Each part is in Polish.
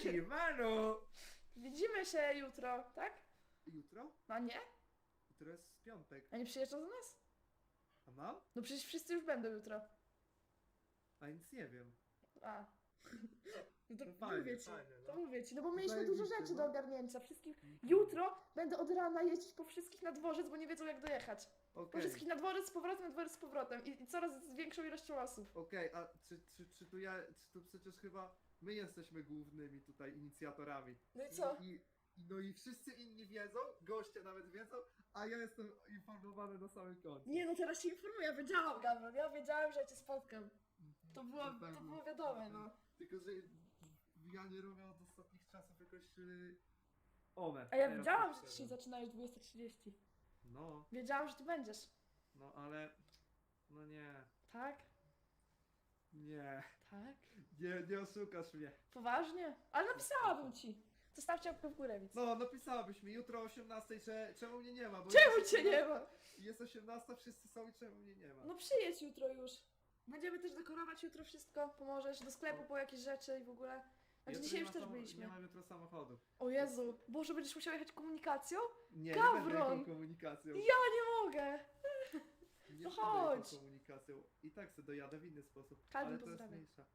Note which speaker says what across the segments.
Speaker 1: Siemano!
Speaker 2: Widzimy się jutro, tak?
Speaker 1: Jutro?
Speaker 2: A nie?
Speaker 1: Jutro jest piątek.
Speaker 2: A nie przyjeżdżą do nas?
Speaker 1: A mam?
Speaker 2: No przecież wszyscy już będą jutro.
Speaker 1: A nic nie wiem.
Speaker 2: A. No to
Speaker 1: No fajnie,
Speaker 2: mówię ci,
Speaker 1: fajnie, no.
Speaker 2: to mówię ci, no bo mieliśmy dużo
Speaker 1: Zajebiście,
Speaker 2: rzeczy
Speaker 1: no.
Speaker 2: do ogarnięcia. Wszystkim. Jutro będę od rana jeździć po wszystkich na dworzec, bo nie wiedzą jak dojechać. Po
Speaker 1: Okej,
Speaker 2: wszystkich na dworzec na dworzec z powrotem i coraz z większą ilością osób.
Speaker 1: okej, a czy tu przecież chyba my jesteśmy głównymi tutaj inicjatorami.
Speaker 2: No i co?
Speaker 1: No i wszyscy inni wiedzą, goście nawet wiedzą, a ja jestem informowany na samym końcu.
Speaker 2: Nie no, teraz się informuję, ja wiedziałam, Gabriel, ja wiedziałam, że ja cię spotkam. To
Speaker 1: Na
Speaker 2: było
Speaker 1: pewno.
Speaker 2: wiadome, no.
Speaker 1: Tylko, że ja nie robię od ostatnich czasów jakoś... One.
Speaker 2: A ja
Speaker 1: teraz
Speaker 2: wiedziałam, że
Speaker 1: już
Speaker 2: dzisiaj zaczynałeś 20:30.
Speaker 1: No,
Speaker 2: Wiedziałam, że ty będziesz.
Speaker 1: no ale... No nie.
Speaker 2: Tak?
Speaker 1: Nie.
Speaker 2: Tak?
Speaker 1: Nie oszukasz mnie.
Speaker 2: Poważnie? Ale napisałabym ci. Zostawcie łapkę w górę, widz.
Speaker 1: No, napisałabyś mi jutro o 18, czemu mnie nie ma? Bo
Speaker 2: Czemu
Speaker 1: jest
Speaker 2: cię nie ma?
Speaker 1: Jest 18, wszyscy są i czemu mnie nie ma?
Speaker 2: No przyjedź jutro już. Będziemy też dekorować jutro wszystko. Pomożesz do sklepu po jakieś rzeczy i w mogę. Znaczy
Speaker 1: Jutro
Speaker 2: dzisiaj
Speaker 1: nie
Speaker 2: już
Speaker 1: ma
Speaker 2: też
Speaker 1: Nie
Speaker 2: byliśmy.
Speaker 1: mam jutro samochodu.
Speaker 2: O Jezu, Boże, będziesz musiał jechać komunikacją?
Speaker 1: Nie
Speaker 2: Gawron!
Speaker 1: będę jechał komunikacją.
Speaker 2: Ja nie mogę!
Speaker 1: Nie
Speaker 2: to
Speaker 1: będę jechał
Speaker 2: chodź.
Speaker 1: komunikacją. I tak se dojadę w inny sposób.
Speaker 2: Kalwin
Speaker 1: Ale to jest
Speaker 2: pozdrawia.
Speaker 1: mniejsza.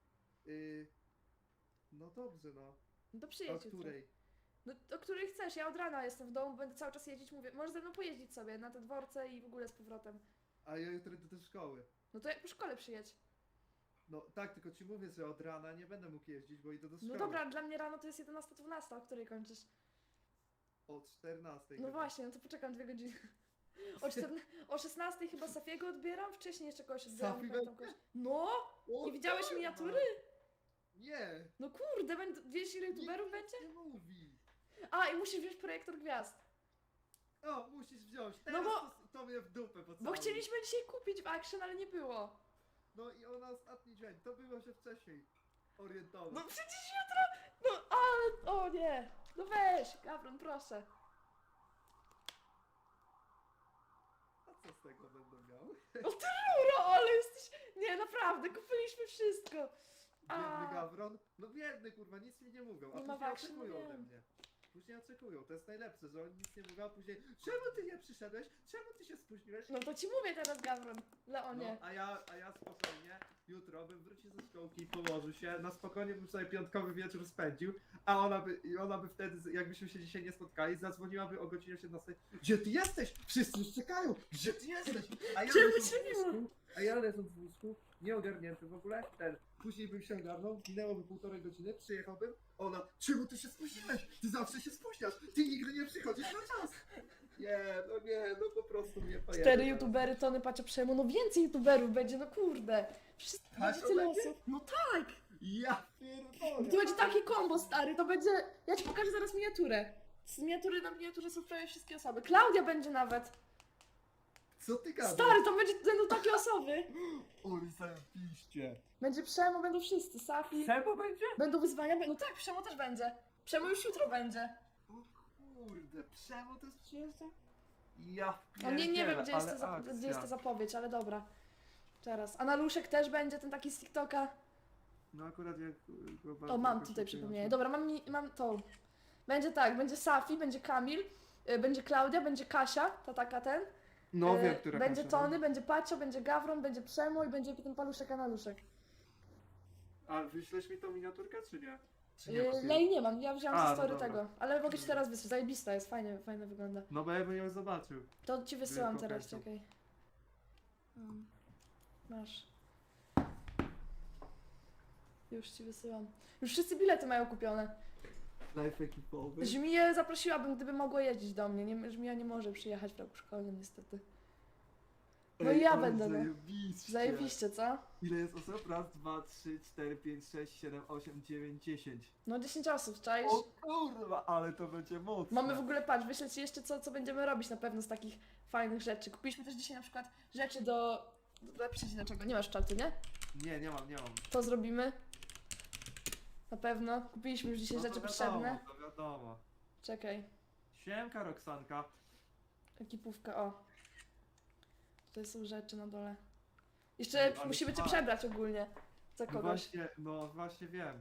Speaker 1: No dobrze, no.
Speaker 2: No to
Speaker 1: O
Speaker 2: przyjedź jutro.
Speaker 1: której?
Speaker 2: No o której chcesz, ja od rana jestem w domu, będę cały czas jeździć, mówię, możesz ze mną pojeździć sobie na te dworce i w ogóle z powrotem.
Speaker 1: A ja jutro idę do szkoły.
Speaker 2: No to jak po szkole przyjedź.
Speaker 1: No tak, tylko ci mówię, że od rana nie będę mógł jeździć, bo idę do szkoły.
Speaker 2: No dobra, dla mnie rano to jest 11:12, o której kończysz?
Speaker 1: O 14.
Speaker 2: No właśnie, no to poczekam 2 godziny. O 16 chyba Safiego odbieram, wcześniej jeszcze kogoś odbieram.
Speaker 1: Safi
Speaker 2: nie pamiętam
Speaker 1: będzie?
Speaker 2: kogoś. No!
Speaker 1: O,
Speaker 2: Nie widziałeś
Speaker 1: kurwa!
Speaker 2: miniatury?
Speaker 1: Nie!
Speaker 2: No kurde, wiesz ile youtuberów będzie?
Speaker 1: Nie mówi!
Speaker 2: A, i musisz wziąć projektor gwiazd.
Speaker 1: O, musisz wziąć.
Speaker 2: No
Speaker 1: Teraz
Speaker 2: bo-
Speaker 1: to mnie w dupę
Speaker 2: Bo
Speaker 1: pocałuj.
Speaker 2: chcieliśmy dzisiaj kupić w Action, ale nie było.
Speaker 1: No i ona ostatni dźwięk, to było się wcześniej orientować.
Speaker 2: No przecież jutro... No ale... O nie! No weź, Gawron, proszę.
Speaker 1: A co z tego będę miał?
Speaker 2: Uro, ale jesteś... Nie, naprawdę, kupiliśmy wszystko.
Speaker 1: Biedny
Speaker 2: A.
Speaker 1: Gawron? No biedny kurwa, nic mi nie mówią, a
Speaker 2: Nie ma
Speaker 1: później
Speaker 2: wakszy, no
Speaker 1: oczekują ode
Speaker 2: wiem.
Speaker 1: mnie. Później oczekują, to jest najlepsze, że oni nic nie mówią, a później czemu ty nie przyszedłeś? Czemu ty się spóźniłeś?
Speaker 2: No to ci mówię teraz, Gawron. Leonie.
Speaker 1: No, a ja spokojnie, jutro bym wrócił ze szkołki i położył się, na spokojnie bym sobie piątkowy wieczór spędził, a ona by wtedy, jakbyśmy się dzisiaj nie spotkali, zadzwoniłaby o godzinie 17. Gdzie ty jesteś? Wszyscy już czekają! Gdzie ty jesteś? A ja
Speaker 2: Czemu
Speaker 1: leżąc
Speaker 2: cię
Speaker 1: w
Speaker 2: nie ma?
Speaker 1: łóżku, w łóżku, nieogarnięty w ogóle, później bym się ogarnął, minęłoby 1,5 godziny, przyjechałbym, ona, czemu ty się spóźniłeś? Ty zawsze się spóźniasz, ty nigdy nie przychodzisz na czas! Nie, no po prostu mnie pojechał.
Speaker 2: 4 youtubery, Tony Pacia Przejmu, no więcej youtuberów będzie, no kurde. Wszystko
Speaker 1: Tak,
Speaker 2: będzie
Speaker 1: to
Speaker 2: tyle
Speaker 1: będzie?
Speaker 2: osób. No tak!
Speaker 1: Ja pierdolę!
Speaker 2: To będzie takie kombo, stary, to będzie... Ja ci pokażę zaraz miniaturę. Z miniatury na miniaturze są prawie wszystkie osoby. Klaudia będzie nawet.
Speaker 1: Co ty gadasz?
Speaker 2: Stary, to będą takie osoby.
Speaker 1: Oj, zajebiście.
Speaker 2: Będzie Przemo, będą wszyscy, Safi.
Speaker 1: Sebo będzie?
Speaker 2: Będą wyzwania, no tak, Przemo też będzie. Przemo już jutro będzie.
Speaker 1: O kurde, Przemo to jest przyjeżdża? Ja
Speaker 2: No nie wiem,
Speaker 1: pierdzielę,
Speaker 2: gdzie jest,
Speaker 1: ale
Speaker 2: gdzie jest ta
Speaker 1: akcja.
Speaker 2: zapowiedź, ale dobra. Teraz. A Naluszek też będzie, ten taki z TikToka.
Speaker 1: No akurat jak go
Speaker 2: O,
Speaker 1: bardzo
Speaker 2: mam
Speaker 1: jakoś
Speaker 2: tutaj
Speaker 1: nie
Speaker 2: przypomnienie.
Speaker 1: kojarzę.
Speaker 2: Dobra, mam to. Będzie tak, będzie Safi, będzie Kamil, będzie Klaudia, będzie Kasia, ta taka ten.
Speaker 1: No wiem, która
Speaker 2: Będzie
Speaker 1: Kasia, no.
Speaker 2: Tony, będzie Pacio, będzie Gawron, będzie Przemo i będzie ten paluszek, a Naluszek.
Speaker 1: A wyślesz mi tą miniaturkę, czy nie? Czy
Speaker 2: Ja jej nie mam, ja wziąłam
Speaker 1: A,
Speaker 2: ze
Speaker 1: no
Speaker 2: story
Speaker 1: dobra.
Speaker 2: tego. Ale mogę ci teraz wysłać, zajebista jest, fajnie wygląda.
Speaker 1: No bo ja bym ją zobaczył.
Speaker 2: To ci wysyłam
Speaker 1: Wielką
Speaker 2: teraz,
Speaker 1: chęcią.
Speaker 2: czekaj. Masz. Już ci wysyłam. Już wszyscy bilety mają kupione.
Speaker 1: Live ekipowy.
Speaker 2: Żmiję zaprosiłabym, gdyby mogła jeździć do mnie. Żmija nie może przyjechać w roku szkolnym niestety. No i ja
Speaker 1: ale
Speaker 2: będę, no.
Speaker 1: Zajebiście.
Speaker 2: Zajebiście, co?
Speaker 1: Ile jest osób? Raz, 2, 3, 4, 5, 6, 7, 8, 9, 10.
Speaker 2: No 10 osób, czaisz?
Speaker 1: O kurwa, ale to będzie mocne.
Speaker 2: Mamy w ogóle, patrz, wyślę ci jeszcze co będziemy robić na pewno z takich fajnych rzeczy. Kupiliśmy też dzisiaj na przykład rzeczy do... Napiszę ci dlaczego, nie masz czatu, nie?
Speaker 1: Nie mam.
Speaker 2: To zrobimy. Na pewno. Kupiliśmy już dzisiaj
Speaker 1: No to
Speaker 2: rzeczy
Speaker 1: wiadomo,
Speaker 2: potrzebne.
Speaker 1: to wiadomo.
Speaker 2: Czekaj.
Speaker 1: Siemka Roxanka.
Speaker 2: Ekipówka, o. Tutaj są rzeczy na dole. Jeszcze
Speaker 1: Ale
Speaker 2: musimy cię
Speaker 1: fajnie.
Speaker 2: przebrać ogólnie. Za
Speaker 1: No
Speaker 2: kogoś.
Speaker 1: właśnie wiem.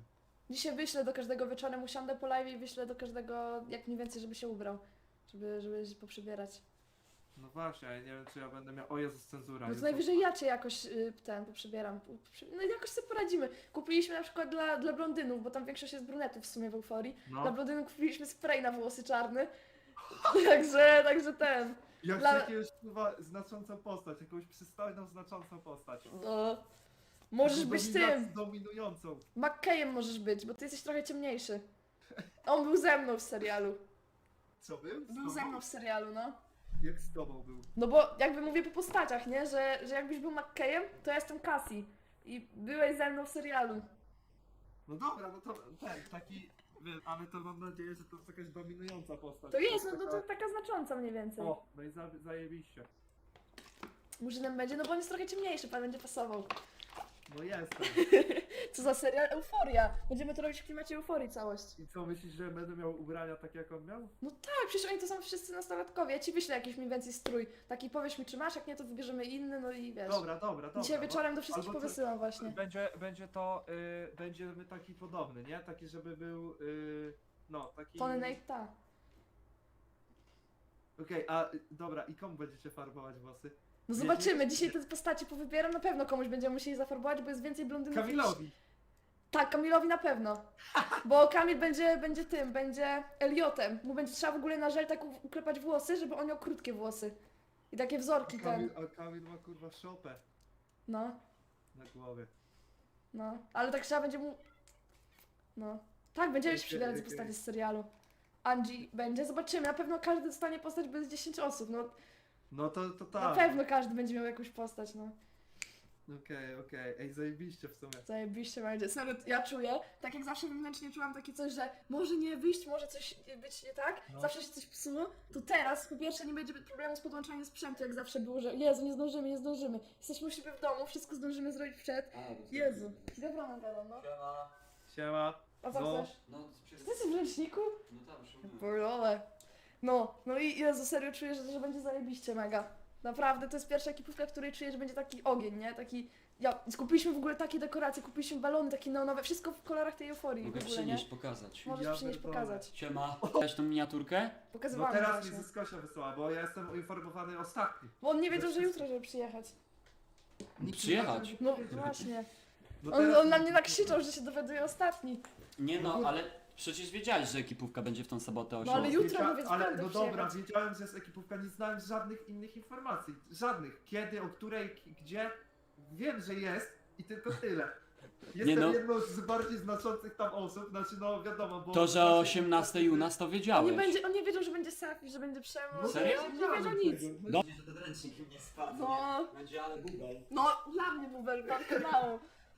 Speaker 2: Dzisiaj wyślę do każdego wieczorem, usiądę po live i wyślę do każdego jak mniej więcej, żeby się ubrał. Żeby się poprzybierać.
Speaker 1: No właśnie, ja nie wiem czy ja będę miał... O Jezus, cenzura.
Speaker 2: No to
Speaker 1: Jezu.
Speaker 2: najwyżej ja cię jakoś poprzybieram. No jakoś sobie poradzimy. Kupiliśmy na przykład dla blondynów, bo tam większość jest brunetów w sumie w euforii. Dla
Speaker 1: No,
Speaker 2: blondynów kupiliśmy spray na włosy czarny. także ten.
Speaker 1: jak
Speaker 2: dla-
Speaker 1: jakąś chyba znaczącą postać, jakąś przystojną, znaczącą postać.
Speaker 2: No. Możesz być tym.
Speaker 1: Dominującą.
Speaker 2: McKayem możesz być, bo ty jesteś trochę ciemniejszy. On był ze mną w serialu.
Speaker 1: Co był? Z
Speaker 2: Był
Speaker 1: tobą?
Speaker 2: ze mną w serialu, no.
Speaker 1: Jak z tobą był?
Speaker 2: No bo jakby mówię po postaciach, nie? Że jakbyś był McKayem, to ja jestem Cassie. I byłeś ze mną w serialu.
Speaker 1: No dobra, no to taki... Wiesz, ale to mam nadzieję, że to jest jakaś dominująca postać.
Speaker 2: To jest, no
Speaker 1: taka-
Speaker 2: to taka znacząca mniej więcej.
Speaker 1: O, no i zajebiście.
Speaker 2: Murzynem będzie, no bo on jest trochę ciemniejszy, pan będzie pasował.
Speaker 1: No jestem.
Speaker 2: Co za serial? Euforia. Będziemy to robić w klimacie euforii całość.
Speaker 1: I co, myślisz, że będę miał ubrania tak jak on miał?
Speaker 2: No tak, przecież oni to są wszyscy nastolatkowie. Ja ci wyślę jakiś mniej więcej strój. Taki powiesz mi, czy masz, jak nie, to wybierzemy inny, no i wiesz.
Speaker 1: Dobra.
Speaker 2: Dzisiaj
Speaker 1: no.
Speaker 2: wieczorem do wszystkich
Speaker 1: Albo co-
Speaker 2: powysyłam właśnie.
Speaker 1: Będzie to, będziemy taki podobny, nie? Taki, żeby był, no, taki...
Speaker 2: Tony Nate, ta.
Speaker 1: Okej, a dobra, i komu będziecie farbować włosy?
Speaker 2: No
Speaker 1: Nie,
Speaker 2: zobaczymy,
Speaker 1: nie-
Speaker 2: dzisiaj te postacie powybieram, na pewno komuś będziemy musieli zafarbować, bo jest więcej blondynów niż...
Speaker 1: Kamilowi!
Speaker 2: Tak, Kamilowi na pewno. Bo Kamil będzie Eliotem. Mu będzie trzeba w ogóle na żel tak uklepać włosy, żeby on miał krótkie włosy. I takie wzorki ten.
Speaker 1: A Kamil ma kurwa szopę
Speaker 2: No,
Speaker 1: na głowie.
Speaker 2: no. Ale tak trzeba będzie mu... No. Tak, będziemy się
Speaker 1: Okej,
Speaker 2: przybierać z
Speaker 1: okej.
Speaker 2: postaci z serialu. Angie będzie, zobaczymy. Na pewno każdy dostanie postać, bo jest 10 osób, no.
Speaker 1: No to tak.
Speaker 2: Na pewno każdy będzie miał jakąś postać, no.
Speaker 1: Okej. Ej, zajebiście w sumie.
Speaker 2: Zajebiście będzie. Serio, ja czuję, tak jak zawsze wewnętrznie czułam takie coś, że może nie wyjść, może coś być nie tak,
Speaker 1: No.
Speaker 2: zawsze się coś psuło, to teraz po pierwsze nie będzie problemu z podłączaniem sprzętu, jak zawsze było, że Jezu, nie zdążymy. Jesteśmy u siebie w domu, wszystko zdążymy zrobić przed. Jezu. Dobra, gadam, no.
Speaker 1: Siema.
Speaker 2: A co
Speaker 1: No.
Speaker 2: chcesz?
Speaker 3: No,
Speaker 2: Ty jesteś w ręczniku?
Speaker 3: no tam, szumnie.
Speaker 2: Porole. No i Jezu, serio czuję, że będzie zajebiście mega. Naprawdę, to jest pierwsza ekipówka, której czuję, że będzie taki ogień, nie? Taki... Kupiliśmy w ogóle takie dekoracje, kupiliśmy balony takie neonowe, wszystko w kolorach tej euforii
Speaker 3: Mogę
Speaker 2: w ogóle, nie?
Speaker 3: przynieść, pokazać.
Speaker 2: Możesz
Speaker 1: Ja
Speaker 2: przynieść,
Speaker 1: pierdolę.
Speaker 2: pokazać.
Speaker 3: Siema. Widziałeś tą miniaturkę?
Speaker 1: No
Speaker 2: Pokazywałam
Speaker 1: teraz
Speaker 2: właśnie.
Speaker 1: mi Zyskosia wysłała, bo ja jestem uinformowany ostatni.
Speaker 2: Bo on nie wiedział, że jutro, żeby przyjechać.
Speaker 1: Nikt
Speaker 3: Przyjechać?
Speaker 1: nie
Speaker 2: No
Speaker 1: wiedział.
Speaker 2: właśnie.
Speaker 1: No
Speaker 2: On
Speaker 1: teraz-
Speaker 2: na mnie nakrzyczał, że się dowiaduje ostatni.
Speaker 3: Nie no, ale przecież wiedziałeś, że ekipówka będzie w tą sobotę o
Speaker 2: No ale
Speaker 3: 7:00.
Speaker 2: jutro mówię,
Speaker 1: Ale
Speaker 2: piątek
Speaker 1: no dobra,
Speaker 2: przyjechać.
Speaker 1: wiedziałem, że jest ekipówka, nie znałem żadnych innych informacji. Żadnych. Kiedy, o której, gdzie. Wiem, że jest i tylko tyle. Jestem
Speaker 3: no.
Speaker 1: jedną z bardziej znaczących tam osób, znaczy no wiadomo, bo...
Speaker 3: To, że o 18 u nas to
Speaker 2: On
Speaker 3: wiedziałeś.
Speaker 2: nie wiedział, że będzie Safi, że będzie przemoc.
Speaker 1: No,
Speaker 3: Serio?
Speaker 2: Nie wiedział nic.
Speaker 3: No.
Speaker 4: Że ten ręcznik nie spadł.
Speaker 2: No,
Speaker 4: Będzie ale bubel.
Speaker 2: no, dla mnie bubel, pan kanału.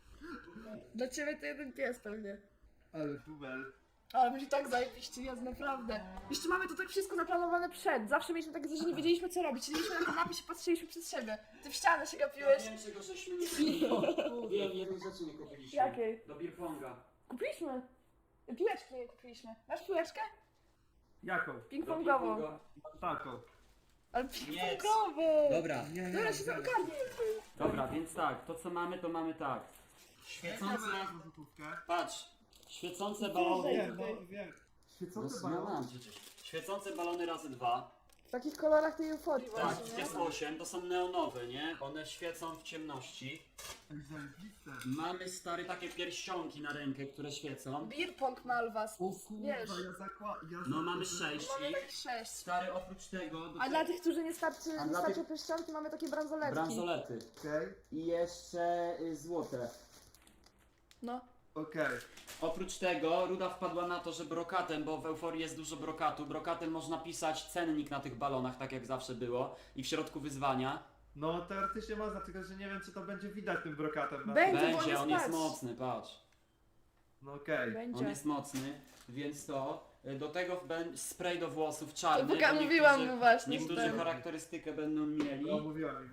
Speaker 2: Dla ciebie to jeden pies pewnie.
Speaker 1: Ale bubel.
Speaker 2: Ale będzie tak zajebiście, jest naprawdę. Jeszcze mamy to tak wszystko zaplanowane przed. Zawsze mieliśmy takie, że nie wiedzieliśmy co robić. Siedzieliśmy na kanapie, się patrzyliśmy przez siebie. Ty w ścianę się gapiłeś.
Speaker 3: Wiem, czego żeśmy nie Wiem, jedną rzeczy nie kupiliśmy.
Speaker 2: Jakiej?
Speaker 3: Do beer ponga.
Speaker 2: Kupiliśmy. Piłeczki nie kupiliśmy. Masz piłeczkę?
Speaker 1: Jaką?
Speaker 2: Ping-pongową.
Speaker 1: Taką.
Speaker 2: Ale
Speaker 4: Nie.
Speaker 2: ping-pongowy!
Speaker 3: Dobra.
Speaker 2: Dobra, się zaogarnij.
Speaker 3: Dobra, więc tak, to co mamy, to mamy tak. Świecące,
Speaker 1: złotówkę.
Speaker 3: patrz, świecące balony.
Speaker 1: Wiem, no wiem.
Speaker 3: No,
Speaker 1: Świecące
Speaker 3: no
Speaker 1: balony.
Speaker 3: mam przecież. Świecące balony razy 2.
Speaker 2: W takich kolorach tej euforii
Speaker 3: Tak,
Speaker 2: właśnie, nie?
Speaker 3: jest 8, to są neonowe, nie? One świecą w ciemności.
Speaker 1: Ej, zajebiste.
Speaker 3: Mamy stary takie pierścionki na rękę, które świecą.
Speaker 2: Beer pong Malwas.
Speaker 1: O kurwa,
Speaker 2: Wiesz.
Speaker 3: No mamy 6
Speaker 2: Mamy
Speaker 3: i
Speaker 2: tak 6.
Speaker 3: stary oprócz tego do
Speaker 2: A dla tych, którzy nie starczy,
Speaker 3: A
Speaker 2: nie
Speaker 3: dla
Speaker 2: starczy
Speaker 3: tych-
Speaker 2: pierścionki, mamy takie bransoletki.
Speaker 3: bransolety.
Speaker 1: Okej,
Speaker 3: I jeszcze złote.
Speaker 2: No.
Speaker 1: okej.
Speaker 3: Oprócz tego Ruda wpadła na to, że brokatem, bo w Euforii jest dużo brokatu, brokatem można pisać cennik na tych balonach, tak jak zawsze było. I w środku wyzwania.
Speaker 1: No teoretycznie można, tylko że nie wiem czy to będzie widać tym brokatem. na-
Speaker 2: Będzie, bo
Speaker 3: Będzie, on jest
Speaker 2: spać.
Speaker 3: mocny, patrz.
Speaker 1: No okej.
Speaker 3: On
Speaker 2: Będzie.
Speaker 3: jest mocny, więc to. Do tego spray do włosów czarny.
Speaker 2: To
Speaker 3: bo
Speaker 2: mówiłam
Speaker 3: niektórzy-
Speaker 2: mu właśnie.
Speaker 3: Niektórzy
Speaker 2: że ten-
Speaker 3: charakterystykę będą mieli.
Speaker 1: No mówiłem.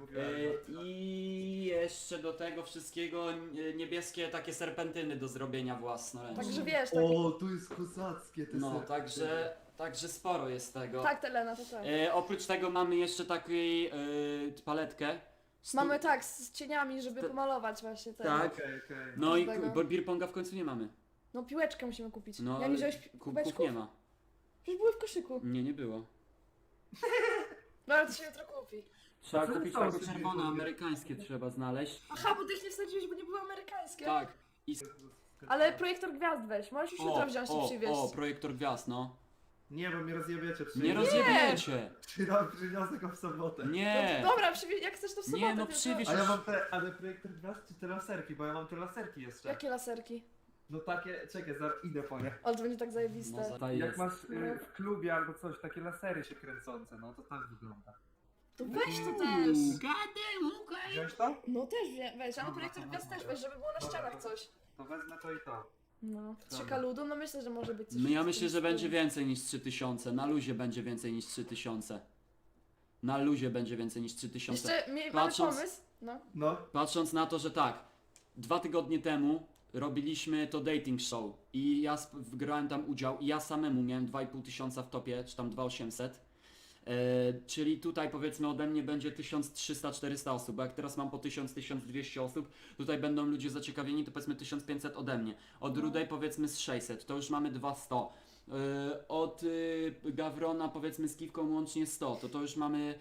Speaker 3: I jeszcze do tego wszystkiego niebieskie takie serpentyny do zrobienia własnoręcznie.
Speaker 2: Także wiesz, tak,
Speaker 1: O, tu jest kozackie te
Speaker 3: No,
Speaker 1: serce.
Speaker 3: także sporo jest tego.
Speaker 2: tak Telena, to tak.
Speaker 3: Oprócz tego mamy jeszcze taką paletkę.
Speaker 2: Mamy tak, z cieniami, żeby
Speaker 3: Sto-
Speaker 2: pomalować właśnie ten.
Speaker 3: Tak.
Speaker 1: Okej.
Speaker 3: No i
Speaker 2: Każdego.
Speaker 3: bo beer ponga w końcu nie mamy.
Speaker 2: No piłeczkę musimy kupić.
Speaker 3: No,
Speaker 2: Ja nie
Speaker 3: ale
Speaker 2: wziąłeś
Speaker 3: kubków
Speaker 2: kubeczków?
Speaker 3: nie ma.
Speaker 2: Przecież były w koszyku.
Speaker 3: Nie było.
Speaker 2: No ale to się jutro kupi.
Speaker 3: Trzeba
Speaker 1: Co
Speaker 3: kupić
Speaker 1: to
Speaker 3: takie
Speaker 1: sobie
Speaker 3: czerwone,
Speaker 1: kupię?
Speaker 3: amerykańskie trzeba znaleźć.
Speaker 2: Aha, bo ty ich nie wsadziłeś, bo nie były amerykańskie.
Speaker 3: Tak. I...
Speaker 2: Ale projektor gwiazd weź, możesz już jutro wziąć i przywieźć.
Speaker 3: projektor gwiazd, no.
Speaker 1: Nie, bo mnie rozjebiecie przy...
Speaker 3: Nie rozjebiecie.
Speaker 1: Przyniosę go w sobotę.
Speaker 3: Nie.
Speaker 2: No, dobra, przywieź, jak chcesz to w sobotę.
Speaker 3: Nie, no
Speaker 2: tylko-
Speaker 3: przywieź.
Speaker 1: A ja mam te, ale projektor gwiazd czy te laserki? Bo ja mam te laserki jeszcze.
Speaker 2: Jakie laserki?
Speaker 1: No takie, czekaj, zaraz idę po nie.
Speaker 2: Ale to będzie tak zajebiste.
Speaker 3: No,
Speaker 1: Jak
Speaker 3: jest.
Speaker 1: masz w klubie albo coś, takie lasery się kręcące, no to tak wygląda.
Speaker 2: To weź to też.
Speaker 1: Wziąć to?
Speaker 2: No też weź, ale projektor gwiazd też weź, żeby było na ścianach coś.
Speaker 1: To wezmę to i to.
Speaker 2: No,
Speaker 1: Dobra.
Speaker 2: 3 ludu, no myślę, że może być coś.
Speaker 3: No ja
Speaker 2: w
Speaker 3: myślę,
Speaker 2: tym
Speaker 3: że będzie
Speaker 2: stylu.
Speaker 3: więcej niż 3000. Na luzie będzie więcej niż 3000. Na luzie będzie więcej niż 3000.
Speaker 2: Jeszcze mamy
Speaker 3: Patrząc-
Speaker 2: pomysł. No.
Speaker 1: No,
Speaker 3: Patrząc na to, że tak, 2 tygodnie temu robiliśmy to dating show i ja grałem tam udział i ja samemu miałem 2500 w topie, czy tam 2800. Czyli tutaj powiedzmy ode mnie będzie 1300-400 osób, bo jak teraz mam po 1000-1200 osób, tutaj będą ludzie zaciekawieni, to powiedzmy 1500 ode mnie. Od
Speaker 2: No.
Speaker 3: Rudej powiedzmy z 600, to już mamy 200. Od Gawrona powiedzmy z Kiwką łącznie 100, to już mamy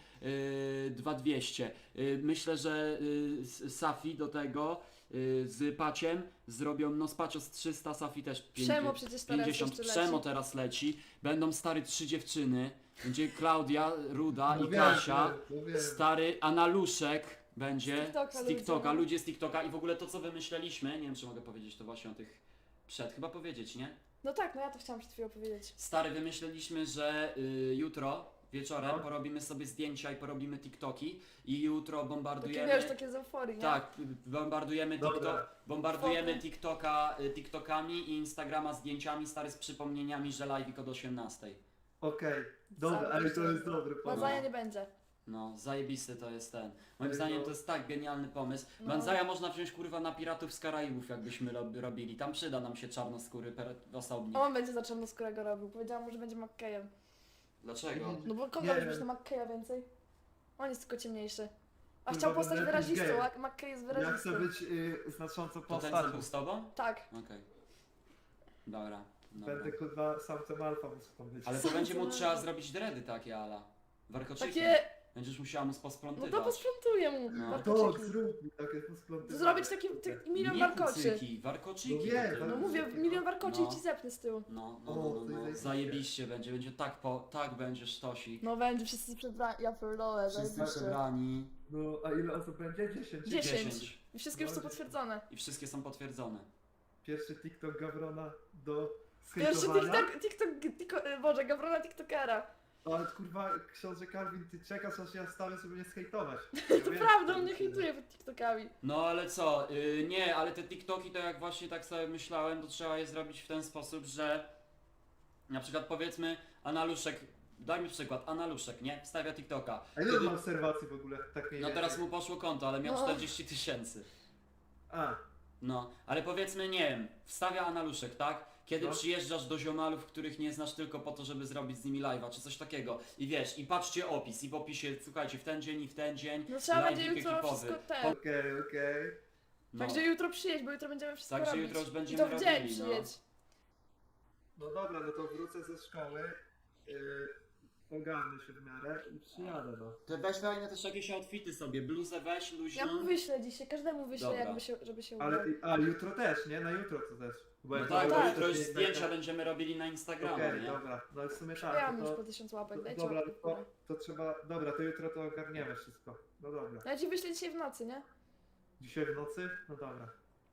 Speaker 3: 2200. Myślę, że Safi do tego z Paciem zrobią, no z Pacio z 300, Safi też
Speaker 2: Przemo przecież teraz
Speaker 3: 50.
Speaker 2: jeszcze
Speaker 3: Przemo
Speaker 2: leci.
Speaker 3: teraz leci. Będą stary 3 dziewczyny. Będzie Klaudia, Ruda
Speaker 1: no
Speaker 3: i
Speaker 1: wiem,
Speaker 3: Kasia.
Speaker 1: wiem.
Speaker 3: Stary Analuszek będzie
Speaker 2: Z TikToka
Speaker 3: z TikToka,
Speaker 2: ludzie.
Speaker 3: ludzie z TikToka i w ogóle to co wymyśleliśmy, nie wiem czy mogę powiedzieć to właśnie o tych chyba powiedzieć, nie?
Speaker 2: No tak, no ja to chciałam przed chwilą powiedzieć.
Speaker 3: Stary, wymyśleliśmy, że jutro wieczorem
Speaker 1: No.
Speaker 3: porobimy sobie zdjęcia i porobimy TikToki i jutro
Speaker 2: Takie
Speaker 3: bombardujemy.
Speaker 2: wiesz, takie z euforii, nie?
Speaker 3: Tak, bombardujemy,
Speaker 1: Dobra.
Speaker 3: bombardujemy
Speaker 2: Foty.
Speaker 3: TikToka TikTokami i Instagrama zdjęciami, stary, z przypomnieniami, że live'ik od 18.
Speaker 1: Okej, dobra,
Speaker 2: Cały
Speaker 1: ale to
Speaker 2: czas.
Speaker 1: jest dobry pomysł.
Speaker 2: Banzaja nie będzie.
Speaker 3: No, zajebisty to jest ten. Moim
Speaker 1: No.
Speaker 3: zdaniem to jest tak genialny pomysł.
Speaker 2: No.
Speaker 3: Banzaja można wziąć kurwa na Piratów z Karaibów, jakbyśmy robili. Tam przyda nam się czarnoskóry osobnik.
Speaker 2: A on będzie za czarnoskórego robił. Powiedziałam mu, że będzie McKayem.
Speaker 3: Dlaczego?
Speaker 2: No bo kogo
Speaker 1: Nie.
Speaker 2: robisz na McKaya więcej? On jest tylko ciemniejszy. A
Speaker 1: Kurwa,
Speaker 2: chciał postać
Speaker 1: będę jakiś
Speaker 2: wyrazistą,
Speaker 1: gej.
Speaker 2: a McKay jest
Speaker 1: Ja chcę
Speaker 2: wyrazistą.
Speaker 1: być znaczącą
Speaker 3: To ten co
Speaker 1: postacią.
Speaker 3: był z tobą?
Speaker 2: Tak.
Speaker 3: Okej. Dobra.
Speaker 1: Będę kurwa samcem alfa muszę tam być.
Speaker 3: Ale to
Speaker 2: Sam
Speaker 3: będzie mu
Speaker 2: co
Speaker 3: trzeba
Speaker 2: robi.
Speaker 3: zrobić dready takie ala. Warkoczyki.
Speaker 2: Takie...
Speaker 3: Będziesz musiała mu
Speaker 2: No
Speaker 3: posprzątywać.
Speaker 2: to posprzątuję mu.
Speaker 3: No.
Speaker 2: warkoczyki.
Speaker 1: To zrób mi takie posplątywanie.
Speaker 2: Zrobić taki milion
Speaker 3: Nie
Speaker 2: warkoczy.
Speaker 3: kucyki, warkoczyki.
Speaker 1: No wiem,
Speaker 3: takie.
Speaker 2: No mówię, milion warkoczy
Speaker 3: No.
Speaker 2: i ci zepnę z tyłu.
Speaker 3: No. Zajebiście będzie tak będzie sztosik.
Speaker 2: No będzie, wszyscy przebrani. Ja pierdolę,
Speaker 3: Wszyscy
Speaker 2: zajebiście.
Speaker 3: przebrani.
Speaker 1: No, a ile osób będzie? 10.
Speaker 2: 10. I wszystkie już są
Speaker 1: No,
Speaker 2: potwierdzone.
Speaker 3: I wszystkie są potwierdzone.
Speaker 1: Pierwszy TikTok Gawrona do
Speaker 2: Pierwszy
Speaker 1: skejtowania.
Speaker 2: Boże, Gawrona TikTokera.
Speaker 1: Ale kurwa, książę Karwin, ty czekasz aż ja wstanę, żeby nie skejtować.
Speaker 2: To prawda, on mnie hejtuje pod TikTokami.
Speaker 3: No ale co, nie, ale te TikToki to jak właśnie tak sobie myślałem, to trzeba je zrobić w ten sposób, że na przykład powiedzmy Analuszek, dajmy przykład, Analuszek, nie? Wstawia TikToka.
Speaker 1: A ile on ma obserwacji w ogóle? Tak mniej
Speaker 3: No
Speaker 1: więcej?
Speaker 3: teraz mu poszło konto, ale miał
Speaker 2: No.
Speaker 3: 40 000.
Speaker 1: A,
Speaker 3: No, ale powiedzmy, nie wiem, wstawia Analuszek, tak? Kiedy
Speaker 1: No.
Speaker 3: przyjeżdżasz do ziomalów, których nie znasz tylko po to, żeby zrobić z nimi live'a, czy coś takiego. I wiesz, i patrzcie opis, i w opisie, słuchajcie, w ten dzień i w ten dzień.
Speaker 2: No trzeba będzie
Speaker 3: live'ik
Speaker 2: jutro
Speaker 3: ekipowy.
Speaker 2: wszystko ten.
Speaker 1: okej.
Speaker 3: No.
Speaker 2: Także jutro przyjedź, bo jutro będziemy wszystko
Speaker 3: Także
Speaker 2: robić.
Speaker 3: jutro już
Speaker 2: I
Speaker 3: będziemy
Speaker 2: to w dzień
Speaker 3: robili, no.
Speaker 2: przyjedź.
Speaker 1: No dobra, no to wrócę ze szkoły, ogarnę się w miarę i przyjadę, no.
Speaker 3: To weź fajne też jakieś outfity sobie, bluzę weź,
Speaker 2: Ja
Speaker 3: luźną.
Speaker 2: mu wyślę dzisiaj, każdemu wyślę,
Speaker 3: Dobra.
Speaker 2: jakby się, żeby się
Speaker 1: Ale,
Speaker 2: ubrał.
Speaker 1: a jutro też, nie? Na jutro to też. Bo
Speaker 3: No
Speaker 1: jak
Speaker 3: tak,
Speaker 1: to
Speaker 3: bo
Speaker 2: tak.
Speaker 3: jutro już
Speaker 1: wcześniej
Speaker 3: zdjęcia
Speaker 1: tak-
Speaker 3: będziemy robili na Instagramie,
Speaker 1: Okej,
Speaker 3: nie?
Speaker 1: dobra, no i w sumie tak,
Speaker 2: Ja mam
Speaker 1: no
Speaker 2: już
Speaker 1: to,
Speaker 2: po 1000 łapek, dajcie
Speaker 1: dobra,
Speaker 2: łapkę w górę.
Speaker 1: to trzeba, dobra, to jutro to ogarniemy wszystko. No dobra.
Speaker 2: Ja ci wyślę dzisiaj w nocy, nie?
Speaker 1: Dzisiaj w nocy? No dobra.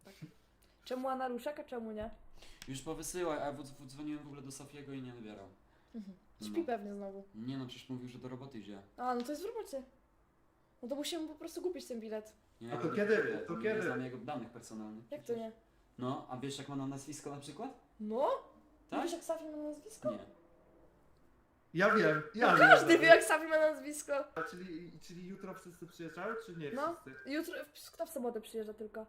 Speaker 2: Czemu Analuszek, a czemu nie?
Speaker 3: Już powysyłaj, a ja dzwoniłem w ogóle do Sofiego i nie odbierał.
Speaker 2: Śpi
Speaker 3: No.
Speaker 2: pewnie znowu.
Speaker 3: Nie no, przecież mówił, że do roboty idzie.
Speaker 2: A, no to jest w robocie. No to musimy po prostu kupić ten bilet.
Speaker 3: Nie,
Speaker 1: A to
Speaker 3: ja
Speaker 1: kiedy?
Speaker 3: nie
Speaker 1: To
Speaker 3: nie
Speaker 1: kiedy?
Speaker 3: znam jego danych personalnych.
Speaker 2: Jak to
Speaker 3: przecież.
Speaker 2: nie?
Speaker 3: No, a wiesz jak ma na nazwisko na przykład?
Speaker 2: No?
Speaker 3: Tak?
Speaker 2: Wiesz jak Safi ma nazwisko?
Speaker 3: Nie.
Speaker 1: Ja wiem, ja
Speaker 2: No
Speaker 1: wiem.
Speaker 2: każdy wie jak Safi ma nazwisko.
Speaker 1: A czyli jutro wszyscy przyjeżdżają, czy nie
Speaker 2: No.
Speaker 1: wszyscy?
Speaker 2: Jutro, kto w sobotę przyjeżdża tylko?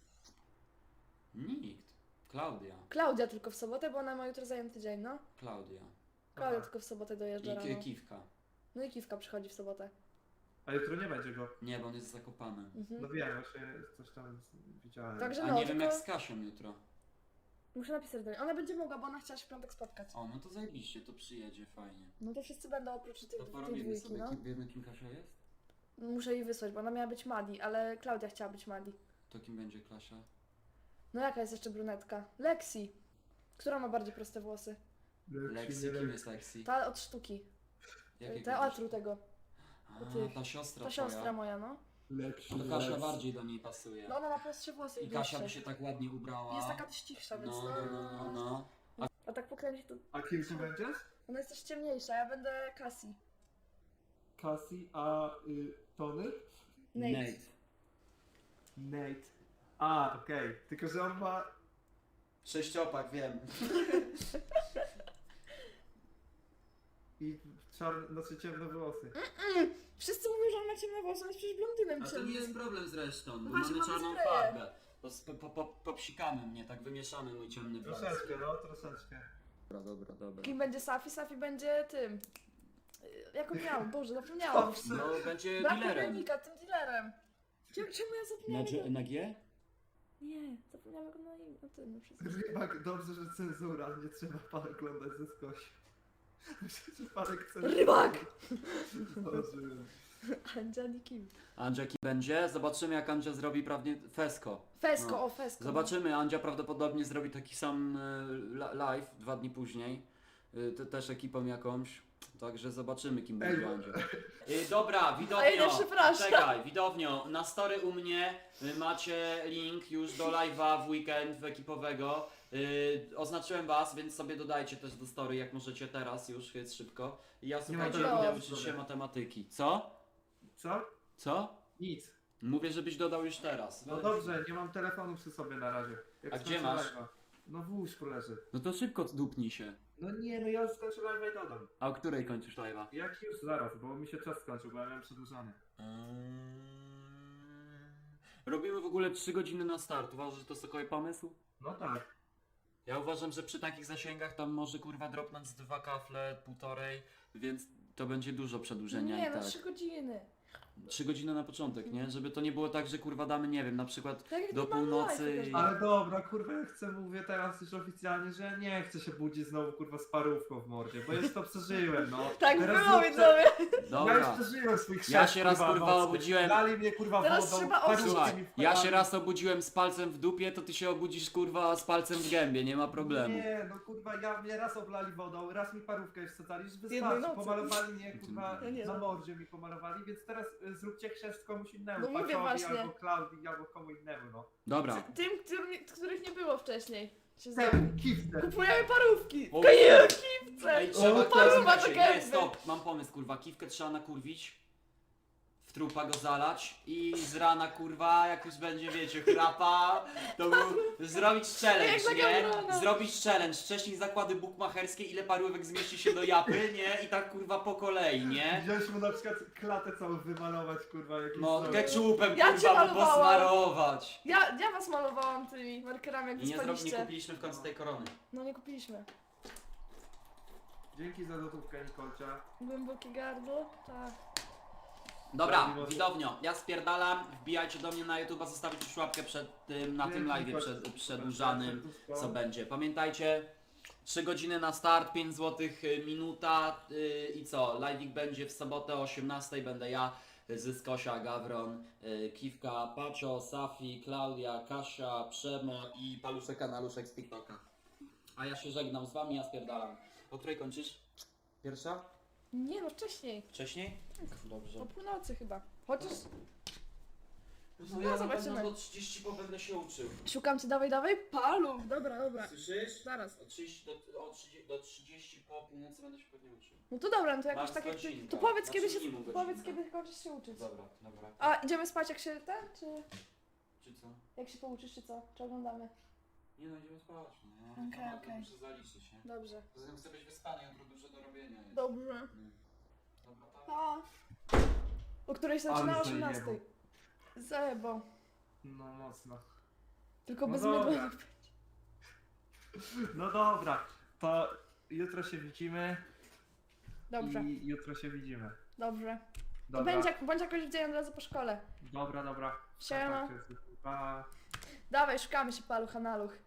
Speaker 3: Nikt. Klaudia.
Speaker 2: Klaudia tylko w sobotę, bo ona ma jutro zajęty dzień, no.
Speaker 3: Klaudia.
Speaker 2: Klaudia
Speaker 1: Aha.
Speaker 2: tylko w sobotę dojeżdża
Speaker 3: I
Speaker 2: rano.
Speaker 3: Kiwka.
Speaker 2: No i Kiwka przychodzi w sobotę.
Speaker 1: A jutro nie będzie go.
Speaker 3: Nie, bo on jest zakopany.
Speaker 2: Mhm.
Speaker 1: No wiem, właśnie coś tam widziałem.
Speaker 2: Także
Speaker 3: A
Speaker 2: no,
Speaker 3: nie wiem
Speaker 2: tylko...
Speaker 3: jak z Kasią jutro.
Speaker 2: Muszę napisać do niej. Ona będzie mogła, bo ona chciała się w piątek spotkać.
Speaker 3: O, no to zajebiście, to przyjedzie, fajnie.
Speaker 2: No to wszyscy będą oprócz
Speaker 3: To
Speaker 2: tej
Speaker 3: porobimy
Speaker 2: dwójki,
Speaker 3: sobie,
Speaker 2: no.
Speaker 3: wiemy kim Kasia jest?
Speaker 2: Muszę jej wysłać, bo ona miała być Madi, ale Klaudia chciała być Madi.
Speaker 3: To kim będzie Klasia?
Speaker 2: No jaka jest jeszcze brunetka? Lexi. Która ma bardziej proste włosy?
Speaker 3: Lexi, kim jest Lexi?
Speaker 2: Ta od sztuki.
Speaker 3: Jakiego
Speaker 2: Teatru tego.
Speaker 3: A, ta siostra
Speaker 2: Ta
Speaker 3: twoja.
Speaker 2: siostra moja, no.
Speaker 3: To Kasia bardziej do niej pasuje.
Speaker 2: No ona ma prostsze włosy
Speaker 3: I Kasia by się tak ładnie ubrała.
Speaker 2: Jest taka też cichsza, więc
Speaker 3: No.
Speaker 2: A tak pokręci to...
Speaker 1: A kim ty będziesz?
Speaker 2: Ona jest też ciemniejsza, ja będę Cassie.
Speaker 1: Cassie, a Tony?
Speaker 2: Nate.
Speaker 1: Nate. A, okej. Tylko, że on ma...
Speaker 3: Sześciopak, wiem.
Speaker 1: I czarne, znaczy ciemne włosy.
Speaker 2: Wszyscy mówią, że on ma ciemne włosy, on jest przecież blondynem
Speaker 3: A to nie jest
Speaker 2: ciemnym.
Speaker 3: problem zresztą, bo
Speaker 2: właśnie,
Speaker 3: mamy
Speaker 2: mamy
Speaker 3: czarną
Speaker 2: spreje.
Speaker 3: farbę. Popsikamy mnie, tak wymieszamy mój ciemny blond.
Speaker 1: Troszeczkę, no, troszeczkę.
Speaker 3: Dobra.
Speaker 2: Kim będzie Safi? Safi będzie tym... Jak on miał? Boże, zapomniałam.
Speaker 3: No, będzie
Speaker 2: Brak
Speaker 3: dealerem.
Speaker 2: Monika, tym dealerem. Czemu ja zapomniałam? jego-
Speaker 3: Na G?
Speaker 2: Nie, zapomniałam go na imię. No ty, no wszystko.
Speaker 1: Rybak, dobrze, że cenzura, nie trzeba pan oglądać ze skosi. Myślę, że panek chce...
Speaker 2: Rybak!
Speaker 1: Zdążyłem.
Speaker 2: Andziani Kim.
Speaker 3: Andzia kim będzie? Zobaczymy jak Andzia zrobi prawnie Fesko.
Speaker 2: Fesko,
Speaker 3: No.
Speaker 2: o Fesko.
Speaker 3: Zobaczymy, Andzia prawdopodobnie zrobi taki sam live 2 dni później. Też ekipą jakąś. Także zobaczymy kim będzie Andzia. Dobra, widownio.
Speaker 2: A ja nie przepraszam.
Speaker 3: Czekaj, widownio. Na story u mnie macie link już do live'a w weekend ekipowego. Oznaczyłem was, więc sobie dodajcie też do story jak możecie teraz już, jest szybko. I ja słuchajcie,
Speaker 1: telefonu
Speaker 3: idę
Speaker 1: w
Speaker 3: uczyć się
Speaker 1: stronę.
Speaker 3: matematyki. Co?
Speaker 1: Co?
Speaker 3: Co?
Speaker 1: Nic.
Speaker 3: Mówię, żebyś dodał już teraz.
Speaker 1: No dobrze, nie mam telefonu przy sobie na razie. Jak
Speaker 3: A gdzie
Speaker 1: skończę
Speaker 3: masz?
Speaker 1: live'a. No w łóżku leży.
Speaker 3: No to szybko dupnij się.
Speaker 1: No nie, no ja już skończę live'a i dodam.
Speaker 3: A o której kończysz live'a?
Speaker 1: Jak już zaraz, bo mi się czas skończył, bo ja miałem przedłużany.
Speaker 3: Robimy w ogóle 3 godziny na start. Uważasz, że to sokowy pomysł?
Speaker 1: No tak.
Speaker 3: Ja uważam, że przy takich zasięgach tam może kurwa dropnąć z 2 kafle, 1,5, więc to będzie dużo przedłużenia
Speaker 2: Nie,
Speaker 3: i
Speaker 2: no
Speaker 3: tak.
Speaker 2: 3 godziny.
Speaker 3: 3 godziny na początek, nie? Żeby to nie było tak, że kurwa damy, nie wiem, na przykład
Speaker 2: Tak jak
Speaker 3: do
Speaker 2: normalny
Speaker 3: północy
Speaker 2: live
Speaker 3: i...
Speaker 2: też.
Speaker 1: Ale dobra, kurwa, ja chcę, mówię teraz już oficjalnie, że ja nie chcę się budzić znowu, kurwa, z parówką w mordzie, bo już to przeżyłem, no.
Speaker 2: Tak
Speaker 1: Teraz
Speaker 2: było,
Speaker 1: zróbcie-
Speaker 2: widzowie.
Speaker 1: Ja już
Speaker 3: Dobra.
Speaker 1: przeżyłem swoich
Speaker 3: Ja
Speaker 1: 6,
Speaker 3: się raz kurwa
Speaker 1: nocy.
Speaker 3: obudziłem...
Speaker 1: Dali mnie, kurwa,
Speaker 2: Teraz
Speaker 1: wodą,
Speaker 2: trzeba
Speaker 1: parówki
Speaker 3: Słuchaj,
Speaker 1: mi
Speaker 3: ja się
Speaker 1: wpadali.
Speaker 3: raz obudziłem z palcem w dupie, to ty się obudzisz kurwa z palcem w gębie, nie ma problemu.
Speaker 1: Nie, no kurwa, mnie raz oblali wodą, raz mi parówkę już wsadzali, już
Speaker 2: Jednej
Speaker 1: wystarczy,
Speaker 2: nocy.
Speaker 1: pomalowali mnie, kurwa,
Speaker 2: No nie
Speaker 1: na
Speaker 2: no.
Speaker 1: mordzie mi pomalowali, więc teraz zróbcie chrzest komuś innemu,
Speaker 2: No mówię
Speaker 1: Paczowi,
Speaker 2: właśnie.
Speaker 1: albo Klaudii, albo komu innemu, no.
Speaker 3: Dobra.
Speaker 2: Tym, których nie było wcześniej. Się
Speaker 1: Ten, kifter.
Speaker 2: Kupujemy parówki.
Speaker 3: O,
Speaker 2: Kaję, kipce.
Speaker 3: Ej, trzeba
Speaker 2: Paruwa do
Speaker 3: słuchajcie, nie,
Speaker 2: gęby.
Speaker 3: stop, mam pomysł kurwa, kiwkę trzeba nakurwić, w trupa go zalać i z rana kurwa, jak już będzie wiecie, chrapa, to zrobić challenge,
Speaker 2: Jak za
Speaker 3: nie?
Speaker 2: Gamrona.
Speaker 3: Zrobić challenge, wcześniej zakłady bukmacherskie, ile parówek zmieści się do japy, nie? I tak kurwa po kolei, nie?
Speaker 1: Wziąć mu na przykład klatę całą wymalować, kurwa, jakiś
Speaker 3: No,
Speaker 1: coś.
Speaker 3: ketchupem
Speaker 2: Ja cię
Speaker 3: kurwa,
Speaker 2: malowałam.
Speaker 3: posmarować.
Speaker 2: Ja was malowałam tymi markerami, jak
Speaker 3: I nie
Speaker 2: wyspaliście.
Speaker 3: kupiliśmy w końcu tej korony.
Speaker 2: No nie kupiliśmy.
Speaker 1: Dzięki za złotówkę, Nikolcia.
Speaker 2: Głębokie gardło? Tak.
Speaker 3: Dobra, widowniio, ja spierdalam, wbijajcie do mnie na YouTube, zostawić już łapkę przed tym, na tym live'ie przedłużanym, co będzie. Pamiętajcie, 3 godziny na start, 5 zł minuta i co, live'ik będzie w sobotę o 18, będę ja, Zyskosia, Gawron, Kiwka, Pacio, Safi, Klaudia, Kasia, Przemo i Paluszek Kanaluszek z TikToka. A ja się żegnam z wami, ja spierdalam. O której kończysz? Pierwsza?
Speaker 2: Nie no, wcześniej.
Speaker 3: Wcześniej? Dobrze.
Speaker 2: O północy chyba. Chociaż
Speaker 3: No
Speaker 2: ja
Speaker 3: ja
Speaker 2: zobaczymy.
Speaker 3: na pewno do 30 po będę się uczył.
Speaker 2: szukam cię, dawaj. Paluch. Dobra.
Speaker 3: Słyszysz?
Speaker 2: Zaraz.
Speaker 3: Do 30 po północy będę się pewnie uczył.
Speaker 2: No to dobra, no to jakoś
Speaker 3: Masz
Speaker 2: tak jak ty.
Speaker 3: godzinkę.
Speaker 2: To powiedz
Speaker 3: Znaczy
Speaker 2: kiedy się.
Speaker 3: minimum
Speaker 2: Powiedz
Speaker 3: godzinkę.
Speaker 2: kiedy kończysz się uczyć.
Speaker 3: Dobra.
Speaker 2: A idziemy spać jak się ten, czy
Speaker 3: Czy co?
Speaker 2: jak się pouczysz, czy co? Czy oglądamy?
Speaker 3: Nie no, idziemy spać. No.
Speaker 2: Okej,
Speaker 3: To
Speaker 2: okej.
Speaker 3: muszę zaliczyć, nie?
Speaker 2: Dobrze.
Speaker 3: Poza tym chcę być wyspany, jutro dużo do robienia jest.
Speaker 2: Dobrze.
Speaker 3: Dobra, tak.
Speaker 2: Pa. O której się
Speaker 1: Ale
Speaker 2: zaczyna o
Speaker 1: zajebał.
Speaker 2: 18. Zajebał.
Speaker 1: No mocno.
Speaker 2: Tylko
Speaker 1: No
Speaker 2: bez
Speaker 1: dobra.
Speaker 2: mydła.
Speaker 1: No dobra, to jutro się widzimy.
Speaker 2: Dobrze,
Speaker 1: I jutro się widzimy.
Speaker 2: dobrze. To
Speaker 1: Dobra.
Speaker 2: bądź jakoś w dzień od razu po szkole.
Speaker 1: Dobra.
Speaker 2: Siema.
Speaker 1: Pa.
Speaker 2: Dawaj, szukamy się paluch, analuch.